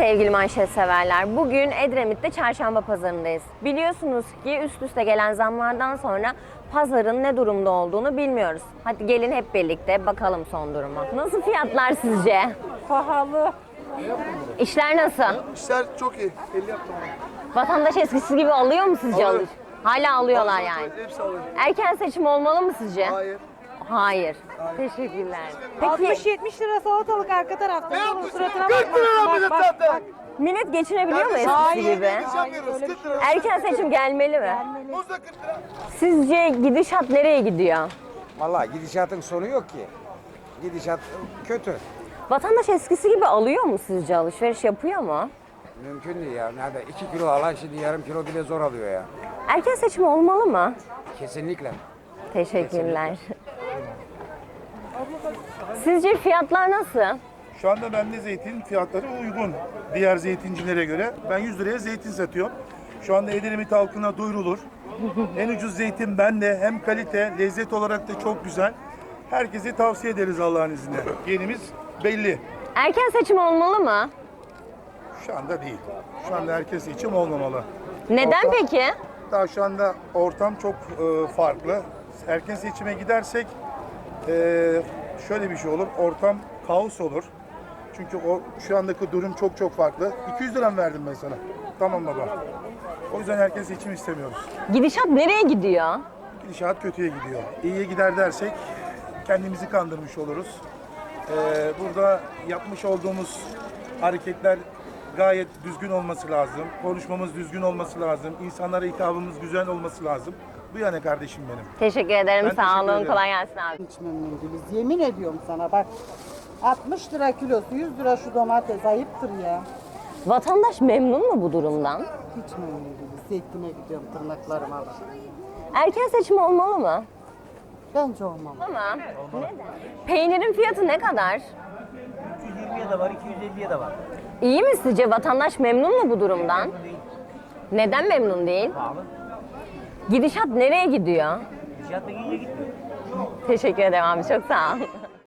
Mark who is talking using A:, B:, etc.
A: sevgili manşet severler. Bugün Edremit'te çarşamba pazarındayız. Biliyorsunuz ki üst üste gelen zamlardan sonra pazarın ne durumda olduğunu bilmiyoruz. Hadi gelin hep birlikte bakalım son duruma. Nasıl fiyatlar sizce?
B: Pahalı.
A: İşler nasıl?
C: İşler çok iyi. 50 yaptım.
A: Vatandaş eskisi gibi alıyor mu sizce?
C: Alıyor.
A: Hala alıyorlar yani.
C: Hepsi alıyor.
A: Erken seçim olmalı mı sizce?
C: Hayır.
A: Hayır. Teşekkürler. Peki
B: 60-70 lira salatalık arka tarafta.
C: Ne
B: Onun
C: yapmışsın?
B: suratına
C: 40 lira
B: bak,
C: millet
B: bak,
C: zaten.
B: bak.
A: millet geçinebiliyor mu eskisi
B: Hayır.
A: gibi?
C: Öyle bir şey yok.
A: Erken seçim gelmeli mi?
C: Muz da 40 lira.
A: Sizce gidişat nereye gidiyor?
D: Vallahi gidişatın sonu yok ki. Gidişat kötü.
A: Vatandaş eskisi gibi alıyor mu sizce? Alışveriş yapıyor mu?
D: Mümkün değil ya. Nerede 2 kilo alan şimdi yarım kilo bile zor alıyor ya.
A: Erken seçim olmalı mı?
D: Kesinlikle.
A: Teşekkürler. Sizce fiyatlar nasıl?
E: Şu anda bende zeytin fiyatları uygun diğer zeytincilere göre. Ben 100 liraya zeytin satıyorum. Şu anda Edremit halkına duyurulur. En ucuz zeytin bende. Hem kalite, lezzet olarak da çok güzel. Herkese tavsiye ederiz Allah'ın izniyle. Yenimiz belli.
A: Erken seçim olmalı mı?
E: Şu anda değil. Şu anda herkes seçim olmamalı.
A: Neden
E: Ortam-
A: peki?
E: Daha şu anda ortam çok farklı. Erken seçime gidersek şöyle bir şey olur. Ortam kaos olur. Çünkü şu andaki durum çok farklı. 200 lira verdim ben sana. Tamam baba. O yüzden erken seçim istemiyoruz.
A: Gidişat nereye gidiyor?
E: Gidişat kötüye gidiyor. İyiye gider dersek kendimizi kandırmış oluruz. Burada yapmış olduğumuz hareketler gayet düzgün olması lazım. Konuşmamız düzgün olması lazım. İnsanlara hitabımız güzel olması lazım. Bu yani kardeşim benim.
A: Teşekkür ederim.
E: Ben
A: Sağ
E: teşekkür
A: olun.
E: ederim.
A: Kolay gelsin abi.
B: Hiç memnun değiliz. Yemin ediyorum sana bak. 60 lira kilosu, 100 lira şu domates ayıptır ya.
A: Vatandaş memnun mu bu durumdan?
B: Hiç memnun değiliz. Zeytine gidiyorum tırnaklarıma bak.
A: Erken seçim olmalı mı?
B: Bence olmamalı.
A: Ama neden? Peynirin fiyatı ne kadar?
F: 220'ye de var, 250'ye de var.
A: İyi mi sizce? Vatandaş memnun mu bu durumdan? Neden memnun değil?
F: Pahalı.
A: Gidişat nereye gidiyor?
F: Fiyat da iyiye gitmiyor.
A: Teşekkür ederim abi. Çok sağ ol.